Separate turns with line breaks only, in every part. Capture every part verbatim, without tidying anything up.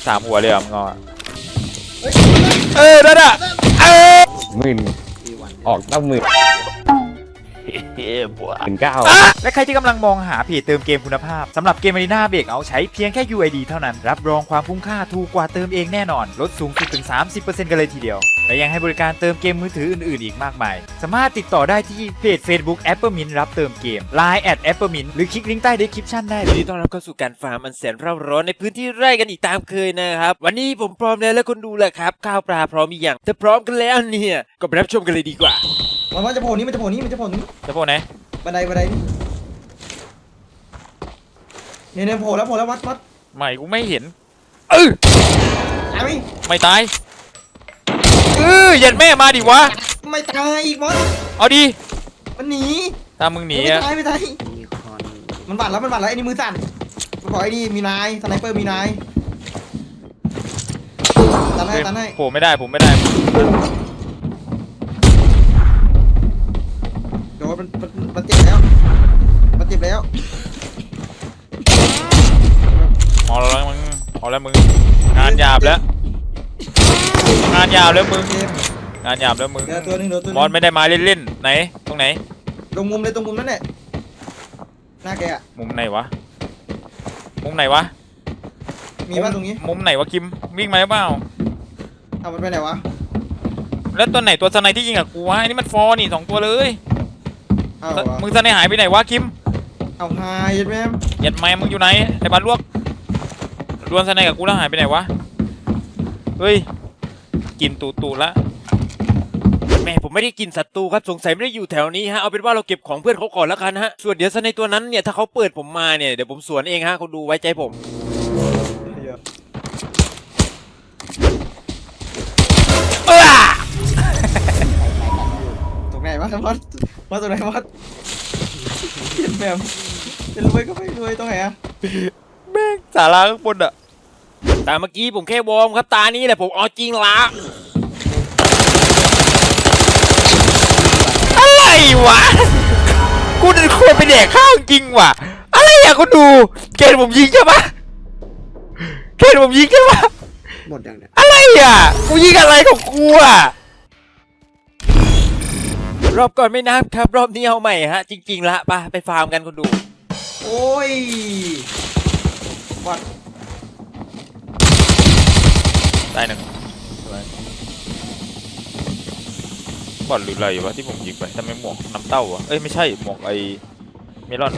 สามหัวเลยอ่ะมึงงอเออนั่นอ่ะเออหมื่นออกตั้งหมื่นหมื่นเก้าและใครที่กำลังมองหาเพจเติมเกมคุณภาพสำหรับเกม Arena Breakout ใช้เพียงแค่ ยู ไอ ดี เท่านั้นรับรองความคุ้มค่าถูกกว่าเติมเองแน่นอนลดสูงสุดถึง สามสิบเปอร์เซ็นต์ กันเลยทีเดียวและยังให้บริการเติมเกมมือถืออื่นๆอีกมากมายสามารถติดต่อได้ที่เพจ Facebook Appermint รับเติมเกม ไลน์ แอท Appermint หรือคลิกลิงก์ใต้ description ได้เลย
ยินดีต้อนรับเข้าสู่การฟาร์มอันแสนเร่าร้อนในพื้นที่ไร่กันอีกตามเคยนะครับวันนี้ผมพร้อมแล้วและคนดูแหละครับข้าวปลาพร้อมมีอย่างถ้าพร้อมกันแล้วเนี่ยก็ไปรับชมกันเลยดีกว่า
มันว่าจะโผล่นี้มันจะโผล่นี้มันจะโผล่นี้
จะโผล่ไหน
บันไดบันไดนี่เนี่ยเนี่ยโผล่แล้วโผล่แล้ววัดวัด
ไม่กูไม่เห็นเออ
ตายไหม
ไม่ตายเออยันแม่มาดิวะ
ไม่ตายอีกวัด
เอาดิ
มันหนี
ตามมึงหนี
อะไม่ตายไม่ตายมันบาดแล้วมันบาดแล้วไอ้นี่มือสั่นมันบอกไอ้นี่มีนายสไนเปอร์มีนายตันให้ตันให้
ผมไม่ได้ผมไม่ได้
โดนมันมันมันเจ็บแล้วมันเจ็บแล้ว
พอแล้วมึงพอแล้วมึงงานหยาบแล้วงานหยาบแล้วมึงงานหยาบแล้วมึงบอลไม่ได้มาเล่นๆไหนตรงไหน
ตรงมุมเลยตรงมุมนั่นแหละหน้าแกอะ
มุมไหนวะมุมไหนวะ
มีบ้านตรงนี้
มุมไหนวะคิมวิ่งมาหรือเปล่า
เอามันไปไหนวะ
แล้วตัวไหนตัวสไนที่ยิงกับกูวะนี่มันฟอร์นี่สองตัวเลยมึงสไนหายไปไหนวะคิม
เอาหายยัดแม่
ยัดแม่มึงอยู่ไหนไอ้บ้านลวกดวลสไนกับกูแล้วหายไปไหนวะเฮ้ยกินตูตูละ
แม่ผมไม่ได้กินศัตรูครับสงสัยไม่ได้อยู่แถวนี้ฮะเอาเป็นว่าเราเก็บของเพื่อนเขาก่อนแล้วกันฮะส่วนเดี๋ยวสไนตัวนั้นเนี่ยถ้าเขาเปิดผมมาเนี่ยเดี๋ยวผมสวนเองฮะเขาดูไว้ใจผม
เออ
ตรงไหนวะวัดวัดตรงไหนวัดเห็นแบบเป็นรวยก็ไม่รวยตรงไหนอะ
แม่งสาราข้างบนอะ
แต่เมื่อกี้ผมแค่วอร์มครับตานี้แหละผมเอาจริงละ
อะไรวะกูจะควรไปแดกข้าวจริงว่ะอะไรอะกูดูเกณฑ์ผมยิงใช่ปะเกณฑ์ผมยิงใช่ปะ
หมดอย่างเนี้ย
อะไรอะกูยิงอะไรของกูอะ
รอบก่อนไม่นับครับรอบนี้เอาใหม่ฮะจริงๆละไปไปฟาร์มกันคนดู
โอ้ยวัด
ได้หนึ่งบอลหรืออะไรวะที่ผมยิงไปทำไมหมวกน้ำเต้าอะเอ้ยไม่ใช่หมวกไอเมลอน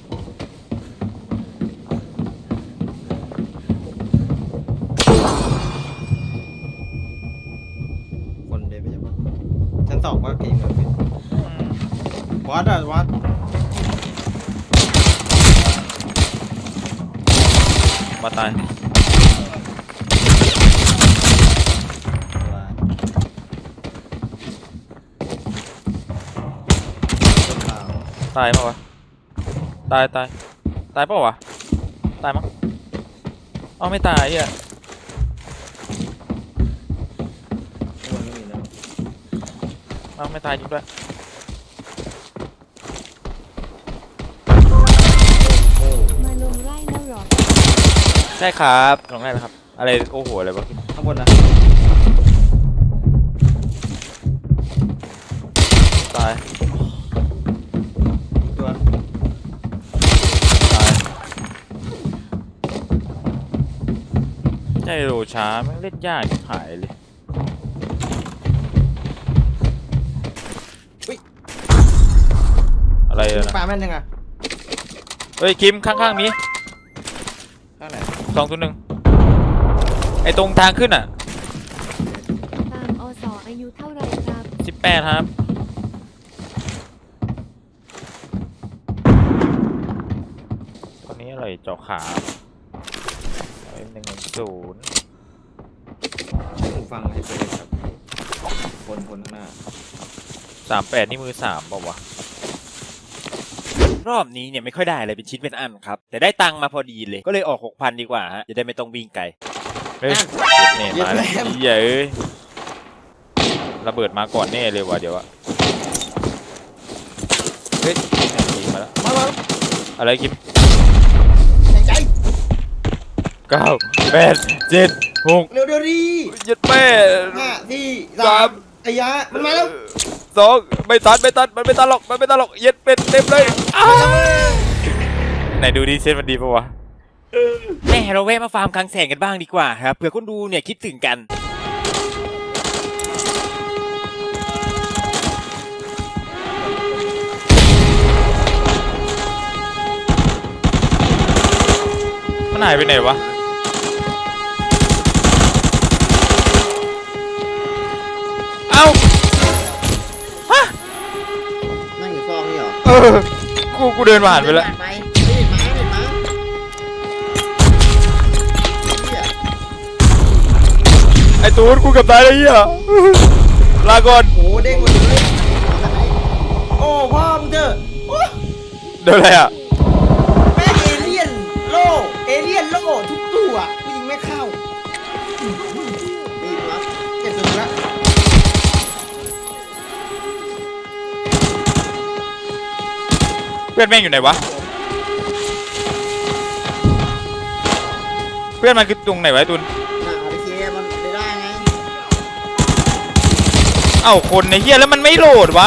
คนเดียวไปยังชั้นสองว่าเก่งเลยวัดอะวัด
มาตายตายป่าวะตายตายตายป่าวะตายมั้งอ๋อไม่ตายอ่ะอ้าวไม่ตายจริงด้วย
มาลงไร่แล้วหรอ
ใช่ครับลงได้แล้วครับอะไรโอ้โหอะไรวะ
ข้างบนนะ
ตาย
ตัว
ตายใช่โรช้าไม่เล่นยากหายเลยอะไรนะ
ปลาแม่นยังไง
เฮ้ยคิมข้างๆนี้
ข้างไหน
สองตัวหนึ่งไอตรงทางขึ้นอ่ะ
ตามอสอายุเท่าไรครับ
สิบแปดครับคนนี้อะไรเจาะขาหนึ่งหนึ่งศูนย์
ฟังให้เลยครับคนคนข้างหน้า
สามแปดนี่มือสามเปล่าวะ
รอบนี้เนี่ยไม่ค่อยได้อะไรเป็นชิ้นเป็นอันครับแต่ได้ตังค์มาพอดีเลยก็เลยออก หกพัน ดีกว่าฮะจะได้ไม่ต้องวิ่งไกล
เฮ้ยเนี่ยมาแล้วเย้ยระเบิดมาก่อนแน่เลยว่ะเดี๋ยวอะเฮ้ยมาแล้ว
มาแล้ว
อะไรกิม
ใจ
เก้าแปดเจ็ดหก
เร็วเดี๋ยวดี
ยัดแม่
ห้าสี่สามไอ้ยะมันมาแล้ว
สองไม่ตัดไม่ตัดมันไม่ตัดหรอกมันไม่ตัดหรอกเย็ดเป็ดเต็มเลยอ้าวไหนดูดิเส้นมันดีปะวะ
แม่เราแวะมาฟาร์มคลังแสงกันบ้างดีกว่าครับเผื่อคนดูเนี่ยคิดถึงกัน
มันหายไปไหนวะเอ้าฮะ
นั่งอยู่ฟองนี่เหรอ
เออกูกูเดินผ่านไปแล้ว
ไปเห็นไหมเห็นไหม
ไอ้ตูนกูเกับตายเลยเหี้ยลาก่อน
โอ้เด้งหมดเลยโอ้พ่อมึงเถอะโอ้
เดี๋ยวอะไรอ่ะ
แม่งเอเลี่ยนโล่เอเลี่ยนโล่ทุกตัวกูยิงไม่เข้านี่วะเจ็บสุดละ
เพื่อนแม่งอยู่ไหนวะเพื่อนมันคือตรงไหนวะไอ้ตูน
น่ะเอาไปเคมันไม่ได้ไง
เอ้าคนในเฮียแล้วมันไม่โหลดวะ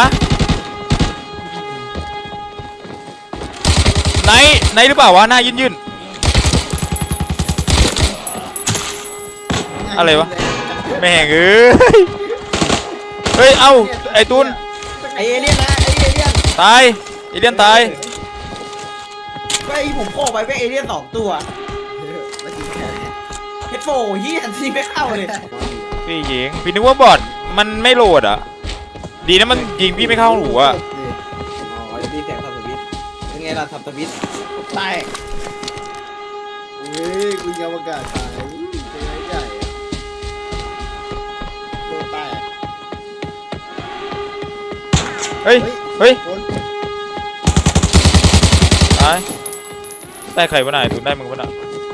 ไหนไหนหรือเปล่าวะหน้ายื่นยื่นอะไรวะแม่งเอ้ยเฮ้ยเอ้าไอ้ตูน
ไอเอเลี่ยนนะไอเอเลี่ยน
ตายเอเลี่ยนตาย
ก็ไอผมโค้ไปเป็นเอเลี่ยนสองตัวเฮดโฟเฮียทีไม่เข้าเลย
พี่หญิงพี่นึกว่าบอทมันไม่โหลดอ่ะดีนะมันยิงพี่ไม่เข้าหูอ่ะ
อ๋อดีแสงทับสวิตเป็นไงล่ะทับสวิตตายเฮ้ยกูยังประกาศตายเป็นไงใหญ่โดนตาย
เฮ้ยเฮ้ย
คน
ตายได้ใครวะนายตูนได้มึงวะน่ะ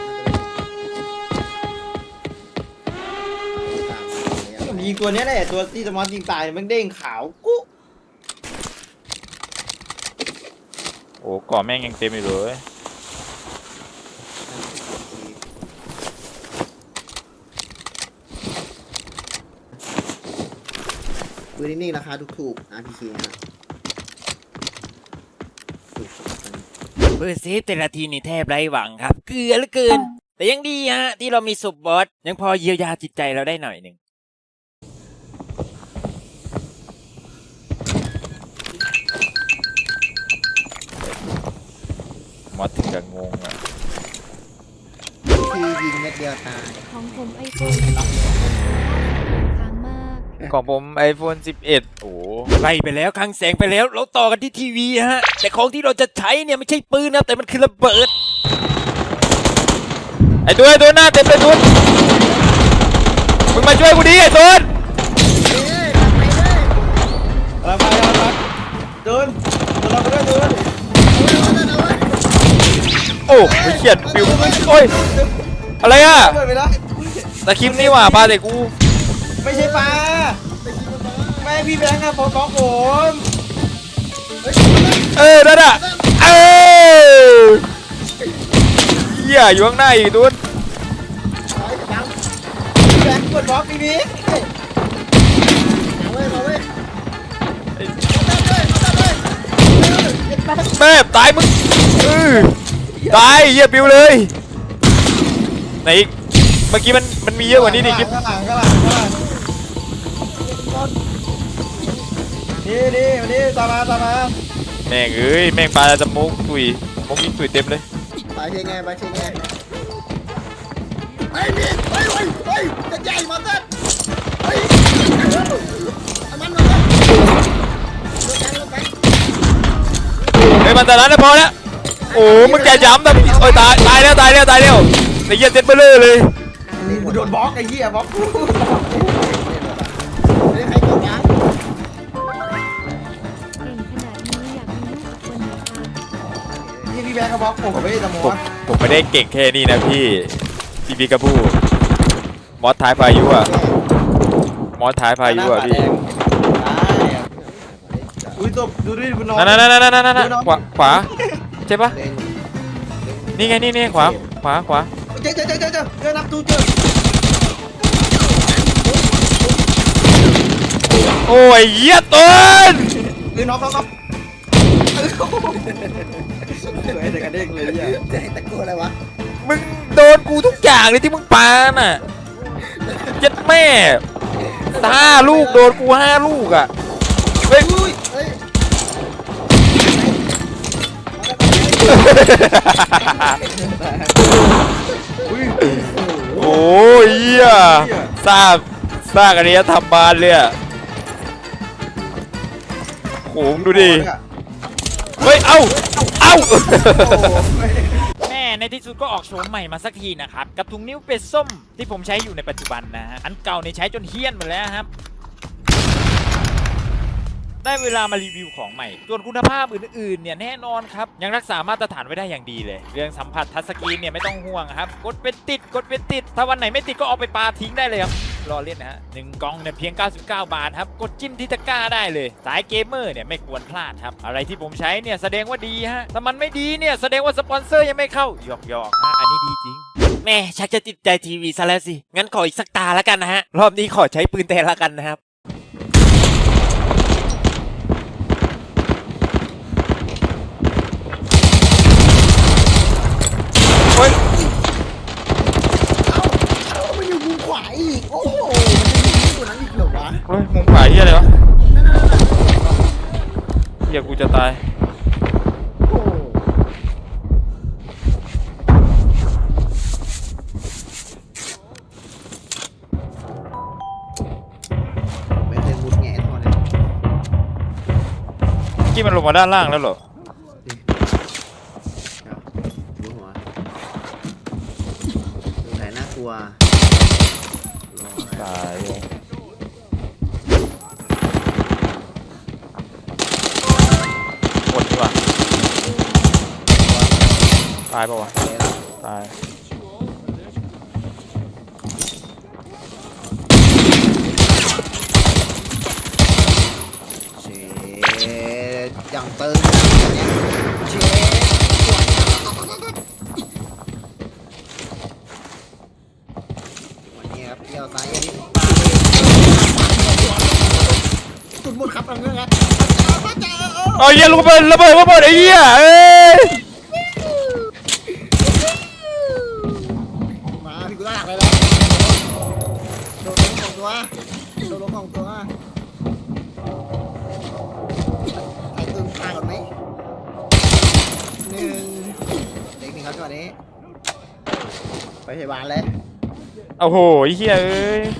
ผมยิงตัวนี้แหละตัวที่สมอสยิงตายมันเด้งขาวกุ๊
โอ้ก่อแม่งยังเต็มอยู่เลย
ปืนนิ่งๆราคาถูกๆ อาร์ พี เค นะฮะ
เบอร์เซฟแต่ละทีนี่แทบไร้หวังครับเกลือเหลือเกิน แต่ยังดีฮะที่เรามีศพบอสยังพอเยียวยาจิตใจเราได้หน่อยหนึ่ง
มอสถึงกับงงอ่ะ
คือยิงเม็ดเดียวตาย
ของผมไอโฟนค้างมาก
ของผม ไอโฟน สิบเอ็ด โอ้
ไล่ไปแล้วคลังแสงไปแล้วเราต่อกันที่ทีวีฮะแต่ของที่เราจะใช้เนี่ยไม่ใช่ปืนนะแต่มันคือระเบิด
ไอตัวไอตัวหน้าเต็มเลยตูนมึงมาช่วยกูดิไอตูน
เอาไปเอาไปเดินเดินเราไปด้วยเดิน
โอ้ไม่เขียนปิวโอ้ยอะไรอ่ะ
เดินไปแล้ว
ตะคริมนี่หว่าปลาแต่กู
ไม่ใช่ปลาไม่พี่แบงค์อะผมของผม
เออนั่นอ่ะเออเหี้ยอยู่ข้างหน้าอีกตูน
แบงค์กดบล็อกพี่บิ๊กเอาเว้ยเอาเว้ย
แม่ตายมึงเออตายเหี้ยปิวเลยไหนอีกเมื่อกี้มันมันมีเยอะกว่านี้ดิคลิป
ข้างหลังข้างหลังข้างหลังนี่นี่มานี่ตามมาตามมา
แม่งเอ้ยแม่งปลาจะมุกตุยมุกยิงตุยเต็มเลย
ไปเชงไงไปเชงไงไอ้นี่เฮ้ยเฮ้ยเฮ้ยจะใหญ่มาเต้นเฮ้ยมันมัน
เฮ้ยมันแต่นั้นนะพอแล้วโอ้มึงแกย้ำนะพี่โอ้ยตายตายแล้วตายแล้วตายแล้วไอ้เหี้ยเจ็ดเบลเลอร์เลย
กูโดนบล็อกไอ้เหี้ยบล็อกกูไม่ได้ใครกดยัง
เก่งขนาดนี้อยากมีลูกสักคนนะคะ
นี่พี่แบงค์เขาบล็อกผมกับพี่ตะม
ผ
อ
ม
ส
ผมไม่ได้เก่งแค่นี้นะพี่พี่บีกระพูมอสท้ายพายุอ่ะมอสท้ายพายุอ่ะพี่
อุ้ยจบดูดิคุณน้อง
นั่นนั่นนั่นนั่นนั่นขวาขวาใช่ปะนี่ไงนี่นี่ขวาขวาขวา
เจอเจอเจอเจอเจอเจอนับตูเจอ
โอ้ยเหี้ยต้น
คือน็อกน็อกน็อกสวยแต่กระเด้งเลยเนี่ยจะให้ตะโกนอะไรวะ
มึงโดนกูทุกอย่างเลยที่มึงปาน่ะยัดแม่ห้าลูกโดนกูห้าลูกอ่ะเฮ้ย
อุ้ยเฮ้ย
โอ้ยเหี้ยสร้างสร้างอันนี้ทำบานเลยอ่ะโหมงดูดิเฮ้ยเอ้าเอ้า
แม่ในที่สุดก็ออกโฉมใหม่มาสักทีนะครับกับถุงนิ้วเป็ดส้มที่ผมใช้อยู่ในปัจจุบันนะฮะอันเก่าเนี่ยใช้จนเฮี้ยนหมดแล้วครับได้เวลามารีวิวของใหม่ส่วนคุณภาพอื่นๆเนี่ยแน่นอนครับยังรักษามาตรฐานไว้ได้อย่างดีเลยเรื่องสัมผัสทัชสกรีนเนี่ยไม่ต้องห่วงครับกดเป็นติดกดเป็นติดถ้าวันไหนไม่ติดก็เอาไปปาทิ้งได้เลยครับรอเล่นนะฮะหนึ่งกล่องเนี่ยเพียงเก้าสิบเก้าบาทครับกดจิ้มที่ตะกร้าได้เลยสายเกมเมอร์เนี่ยไม่ควรพลาดครับอะไรที่ผมใช้เนี่ยแสดงว่าดีฮะถ้ามันไม่ดีเนี่ยแสดงว่าสปอนเซอร์ยังไม่เข้าหยอกหยอกฮะอันนี้ดีจริงแม่ชักจะติดใจทีวีซะแล้วสิงั้นขออีกสักตาแล้วกันนะฮะรอบนี้ขอใช้ปืนแทนละกันนะครับ
เอ้ามันอยู่มุมขวาอีกโอ้โหมันจะยิงตัวนั้นอีกเหรอวะ
เฮ้ยมุมขวาเหี้ยอะไรวะเหี้ยกูจะตาย
โอ้ไม่เคยมุดแง่ทอเลย
เมื่อกี้มันลงมาด้านล่างแล้วเหรอ
ดูหัวดูไหนน่ากลัว
ตายเลยหมดดีกว่าตายปะวะตาย
เชดอย่างเติมเนี่ยเชดวันนี้ครับเที่ยวซ้ายอย่างนี้สุดหมดครับเอาเงี้ยครับ
เอาเหี้ยลูกระเบิดระเบิดระเบิดไอ้เหี้ยเอ้ย
มาพี่กูลากเลยแล้วโดนล้มของตัวโดนล้มของตัวใส่ตึงทางก่อนไหมหนึ่งเด็กหนึ่งครับจังหวะนี้ไปพยาบาลเลย
โอ้โหไอ้เหี้ยเอ้ย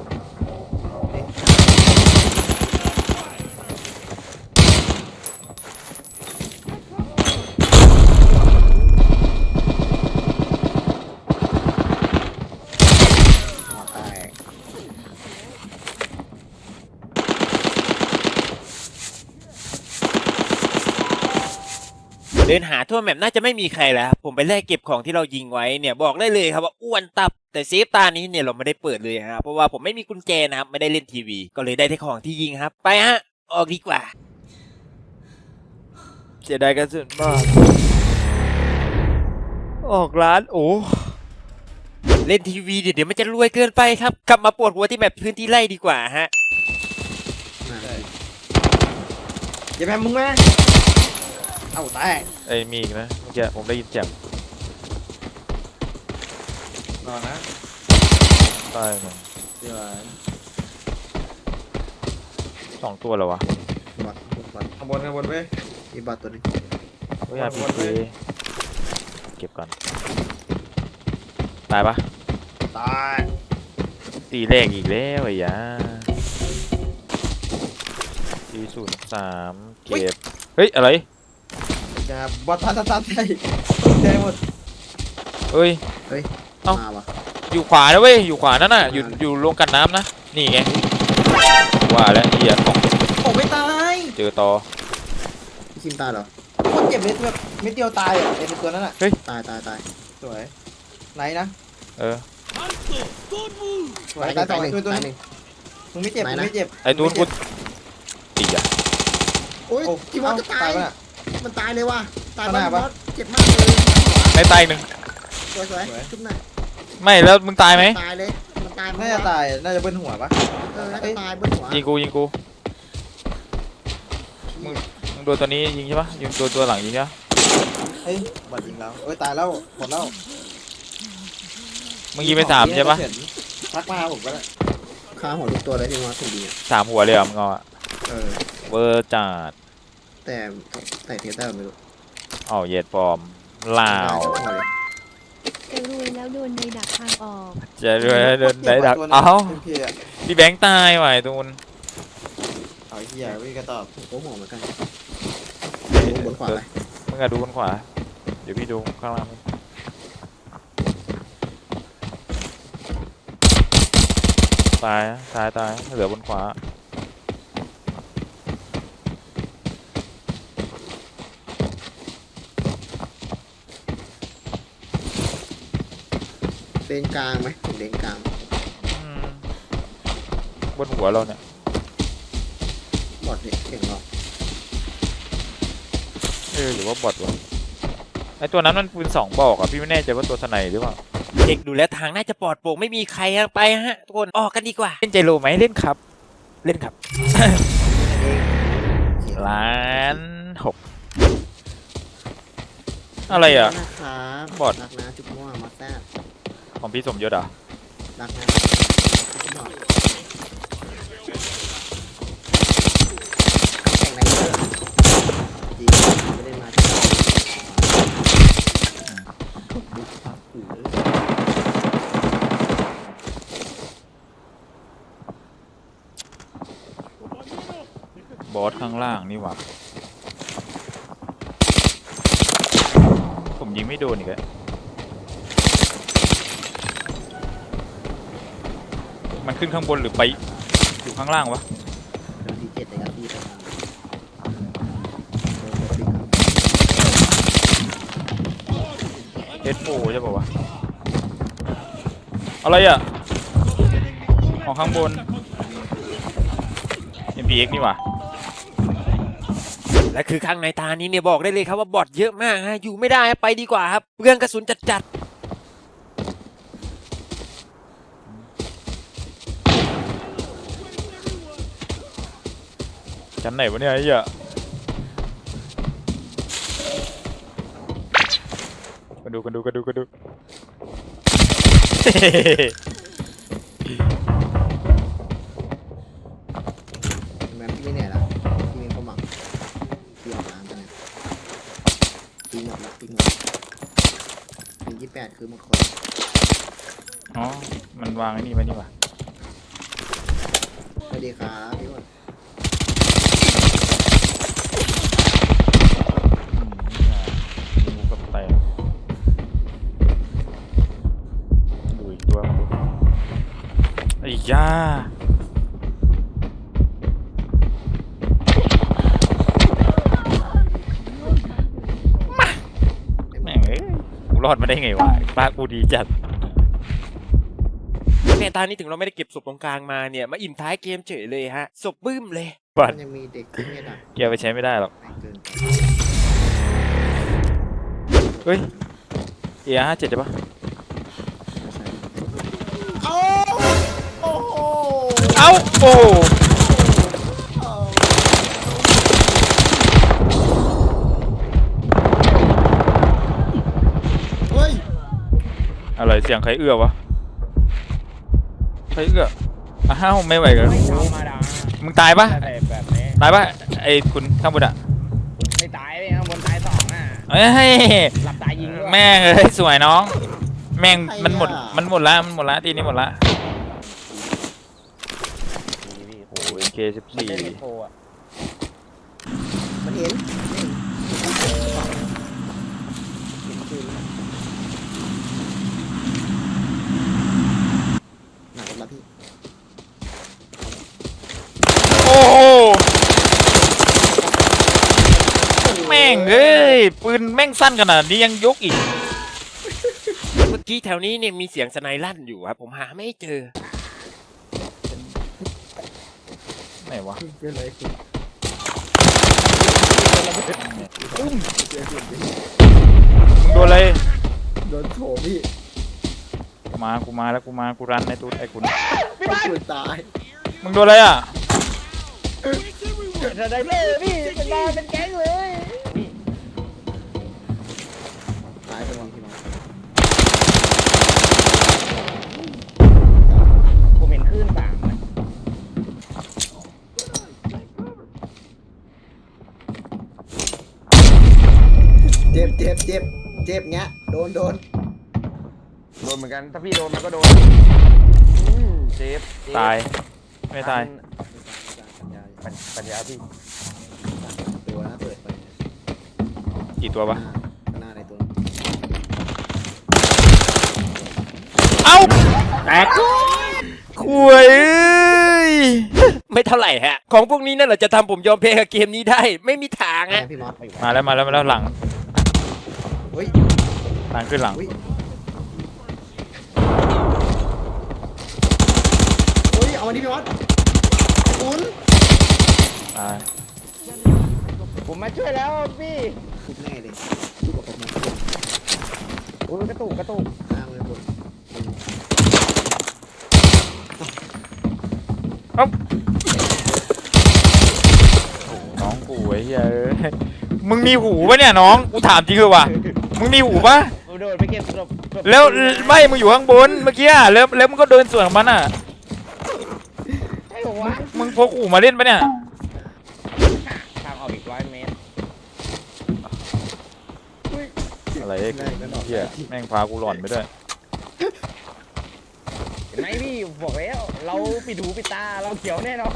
เดินหาทั่วแมปน่าจะไม่มีใครแล้วครับผมไปแลกเก็บของที่เรายิงไว้เนี่ยบอกได้เลยครับว่าอ้วนตับแต่เซฟตานี้เนี่ยเราไม่ได้เปิดเลยครับเพราะว่าผมไม่มีกุญแจนะครับไม่ได้เล่นทีวีก็เลยได้แต่ของที่ยิงครับไปฮะออกดีกว่าเสียดายกระสุนมากออกร้านโอ้เล่นทีวีเดี๋ยวเดี๋ยวมันจะรวยเกินไปครับกลับมาปวดหัวที่แมปพื้นที่ไร่ดีกว่าฮะ
อย่าแพ้มึงไหมเอ้าแตก
ไอ้ยมีอีกนะเมื่อกี้ผมได้ยินเสียง
นอนนะ
ตายหนึ่ง
เดี๋ยว
สองตัวเหรอวะ
บัตรบัตร
ข้างบนข้างบนเว้ย
มีบัตรตัวนี้
เฮ้ยอาพีจีเก็บก่อนตายปะ
ตาย
ตีแรกอีกแล้วไอ้ยาทีศูนย์สามเก็บเฮ้ยอะไร
จะบัตรทันทันทันใจใจหมด
เฮ้ย
เฮ้ย
เอ้า
มาวะ
อยู่ขวานะเว้ยอยู่ขวานั่นน่ะอยู่อยู่ลงกันน้ำนะนี่ไงว่าแล้วเหี้ยของ
โอ้ไม่ตาย
เจอต่อ
พี่คิมตายเหรอคนเจ็บเม็ดแบบเม็ดเดียวตายอ่ะไอ้ตัวนั้นอ่ะ
เฮ้ย
ตายตายตายสวยไหนนะ
เออ
สวยตายสองตัวตัวนึงมึงไม่เจ็บมึงไม่เจ็บ
ไอ้ตูนกูตีอ่ะ
โอ้ย
โอ้
ที่ว่าจะตาย
ปะน่ะ
มันตายเลยว่ะตาย
ข้างหน้า
บ้า
ปะ
นเจ็บมากเลย
ในใต้หนึ่ง
สวยสวยชุบหน่อย
ไม่แล้วมึงตายไหม
ตายเลยมันตาย
น่าจะตายน่าจะเบิ้ลหัวปะ
เออน่าจะตายบนหัว
ยิงกูยิงกูมึงมึงโดนตัวนี้ยิงใช่ปะยิงโดนตัวหลังยิงใช่ปะ
เฮ้ยบอดยิงแล้วเอ้ยตายแล้วหมดแล้ว
มึงยิงไปสามใช่ปะ
ทักมาผมก็ได้
ขาหัวทุกตัวเลยที่มาถึงดีอ่ะ
สามหัวเลยเหรอมึงเอาอะ
เออ
เวอร์จัด
แต่ใส่เทสได้ไม่รู้
เอาเหย็ดฟอร์มลาว
หัวเลย
จะรวยแล้วโดนในดักทางออก
จะด้วยเดินได้ดักเอ้า
โอเคอะ
พี่แบงค์ตายว่ะไอ้ตูน
เอาเหี้ยวิ่งกระตอบ
โอ้โหเหมือนกันบนขวาไป
มึงอะดูบนขวาเดี๋ยวพี่ดูข้างล่างตายนะตายตายเหลือบนขวา
เลนกลางไหมถึงเลนกลาง
อืมบนหัวเราเนี่ย
บอดเด็กเก่งหรอก
เออหรือว่าบอทวะไอตัวนั้นมันปืนสองบอกอะพี่ไม่แน่ใจว่าตัวสไนหรือเปล่าเด็กดูแลทางน่าจะปลอดโปร่งไม่มีใครไปฮะทุกคนออกกันดีกว่าเล่นใจโลไหมเล่นครับ เล่นครับ ล้านหกอะไรอ่ะ
นะครับ
บอด
รักนะจุ๊บมั่วมาแซ่บ
ของพี่สมยศเหรอ่ะ
รักนะจุ๊บมั่วแข่งไหนเยอะจริงไม่ได้มาที่
บอสข้างล่างนี่หว่าผมยิงไม่โดนอีกแล้วมันขึ้นข้างบนหรือไปอยู่ข้างล่างวะ
เดินที่เจ็ดเลยครับพี่ไปทาง
เอสโฟใช่ป่าวะอะไรอ่ะของข้างบน เอ็ม พี เอ็กซ์ นี่หว่าและคือข้างในตานี้เนี่ยบอกได้เลยครับว่าบอทเยอะมากฮะอยู่ไม่ได้ไปดีกว่าครับเปลืองกระสุนจัดๆชั้นไหนวะเนี่ยไอ้เหี้ยกันดูกันดูกันดูกันดู
แมนพี่ไม่เหนื่อยแล้วพี่มีความหวังพี่ออกล้างกันนะปีหมดละปีหมดปียี่สิบแปดคือหมดคน
อ๋อ มันวางไอ้นี่ไว้นี่หว่า
สวัสดีครับพี่หมด
อืมนี่ไงมีงูกับไตดูอีกตัวมาดูไอ้ย่าแม่งเอ้ยกูรอดมาได้ไงวะป้ากูดีจัดเนี่ยตอนนี้ถึงเราไม่ได้เก็บศพตรงกลางมาเนี่ยมาอิ่มท้ายเกมเฉยเลยฮะศพบึ้มเลยบั
มั
ด
นยังมีเด็กที่เนี่ยดัก
เกียร์ไปใช้ไม่ได้หรอก
เกินไป
เฮ้ยเอห้าเจ็ดใช่ปะ
โอ้โอ้โห
เอ้าโอ้
เฮ้ย
อะไรเสียงใครเอื้อวะใครเอื้ออ้าวไม่ไหวกันมึงตายปะ
แบบนี้
ตายปะไอ้คุณข้างบนอะ
ไม่ตายเลยข้างบนตายสองอ่ะ
เอ้ย
หลับตายยิงด้วย
แม่งเอ้ยสวยน้อง แม่งมันหมดมันหมดละมันหมดละทีนี้หมดละโอ้ยเคสิบ
มัน
สี่
เล่นไม่โทรอ่ะ
มันเห็นหนักมาพี่
โอ้โหแม่งเอ้ยปืนแม่งสั้นขนาดนี้ยังยกอีกเมื่อกี้แถวนี้เนี่ยมีเสียงสไนลั่นอยู่ครับผมหาไม่เจอไหนวะ
เกินเลยคุณ
มึงโดนอะไร
โดนโถพี่
มากูมาแล้วกูมากูรันในตู้ไอ้คุณ
กูตาย
มึงโดนอะไรอ่ะ
จะได้เลยพี่เป็นมาเป็นแก๊งเลยนี่
ตายไปหมดพี่น้อง
ผมเห็นคลื่นสามนะ
เจ็บเจ็บเจ็บเจ็บเงี้ยโดนโดน
โดนเหมือนกัน ถ้าพี่โดนมันก็โดนอืมเจ็บเจ็บ
ตายไม่ตาย
ปัญปัญญาพี่
ตัวนะเปิดไป
กี่ตัววะ
หน้าในตัว
เอ้าแตกคุยไม่เท่าไหร่ฮะของพวกนี้นั่นแหละจะทำผมยอมแพ้กับเกมนี้ได้ไม่มีทาง
ไง
ฮะ
พี่มอส
มาแล้วมาแล้วมาแล้วหลัง
เฮ้ย
หลังขึ้นหลัง
เฮ้ยเฮ้ยเอาอันนี้พี่วัดคุณ
ตาย
ผมมาช่วยแล้วพี่
ทุบแน่เลยทุบกับผมนะ
โอ้ยกระตุกกระตุก
อ้างเลยบน
น้องกูไอ้เหี้ยเอ้ยมึงมีหูปะเนี่ยน้องกูถามจริงเลยว่ะมึงมีหูปะ
ผมโดนไปเก็บศพศพ
แล้วไม่มึงอยู่ข้างบนเมื่อกี้อะแล้วแล้วมึงก็เดินสวนกับมันอ่ะ
ให้ผมวะ
มึงพกหูมาเล่นปะเนี่ย
ทางออกอีกร้อยเมตร
อะไรไอ้เหี้ยแม่งพากูหลอนไปด้วย
เห็นไหมพี่บอกแล้วเราปิดหูปิดตาเราเขียวแน่นอน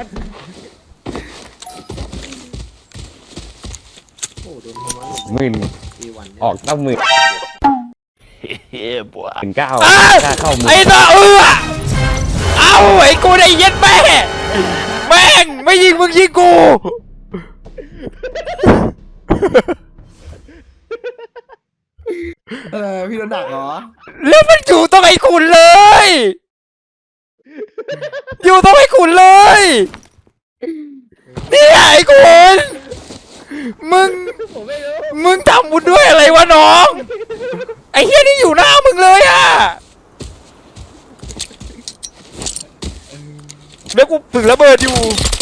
โอ้โดนผมว่า
หมื่น
ปีวัน
ออกตั้งหมื่นเฮ้ยบัวหมื่นเก้า
อ้าว
ค่าเข้าหมื่น
ไอ้ตาเอือเอาไอ้กูได้เย็ดแม่แม่งไม่ยิงมึงยิงกู
เออพี่โดนดักเหรอ
แล้วมันอยู่ตรงไอ้ขุนเลย อยู่ตรงไอ้ขุนเลยเนี่ยไอ้ขุนมึง
ผมไม่รู้
มึงทำบุญด้วยอะไรวะน้อง ไอ้เฮียนี่อยู่หน้ามึงเลยอะแล้วกูถึงระเบิดอยู่